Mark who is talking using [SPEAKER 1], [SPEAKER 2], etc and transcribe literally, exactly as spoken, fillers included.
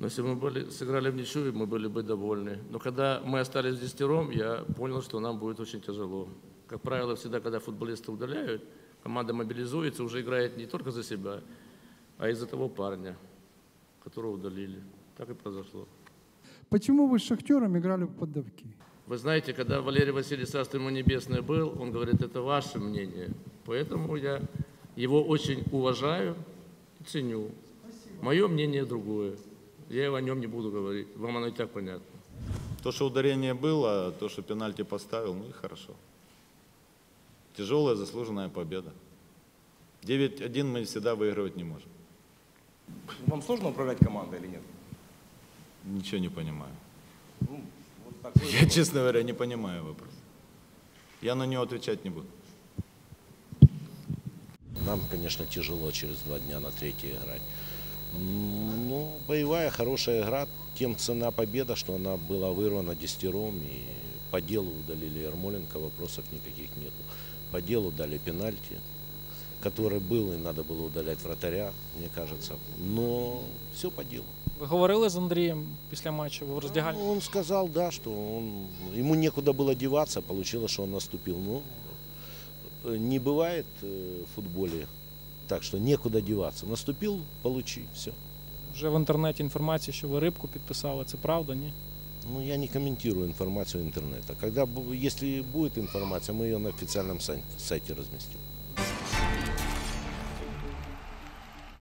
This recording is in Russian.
[SPEAKER 1] Но если бы мы были, сыграли в ничью, мы были бы довольны. Но когда мы остались десятером, я понял, что нам будет очень тяжело. Как правило, всегда, когда футболисты удаляют, команда мобилизуется, уже играет не только за себя, а и за того парня, которого удалили. Так и произошло.
[SPEAKER 2] Почему вы с «Шахтером» играли в поддавки?
[SPEAKER 1] Вы знаете, когда Валерий Васильевич, царство ему небесное, был, он говорит, это ваше мнение. Поэтому я его очень уважаю и ценю. Мое мнение другое. Я о нем не буду говорить. Вам оно и так понятно.
[SPEAKER 3] То, что ударение было, то, что пенальти поставил, ну и хорошо. Тяжелая заслуженная победа. девять один мы всегда выигрывать не можем.
[SPEAKER 4] Вам сложно управлять командой или нет?
[SPEAKER 3] Ничего не понимаю.
[SPEAKER 4] Ну, вот такой
[SPEAKER 3] Я,
[SPEAKER 4] вопрос.
[SPEAKER 3] честно говоря, не понимаю вопрос. Я на него отвечать не буду.
[SPEAKER 5] Нам, конечно, тяжело через два дня на третье играть. Ну, боевая, хорошая игра. Тем цена победа, что она была вырвана десятером. И по делу удалили Ермоленко, вопросов никаких нету. По делу дали пенальти, который был, и надо было удалять вратаря, мне кажется. Но все по делу.
[SPEAKER 6] Ви говорили з Андрієм після матчу в роздягальні?
[SPEAKER 5] Ну, он сказал, да, что он, ему некуда было деваться, получилось, что он наступил. Ну, не бывает в футболе так, что некуда деваться. Наступил, получи, все.
[SPEAKER 6] Вже в інтернеті інформація, що ви Рибку підписали. Це правда, ні?
[SPEAKER 5] Ну, я не комментирую информацию интернета. Когда, бу- если будет информация, мы ее на официальном сайте, сайте разместим.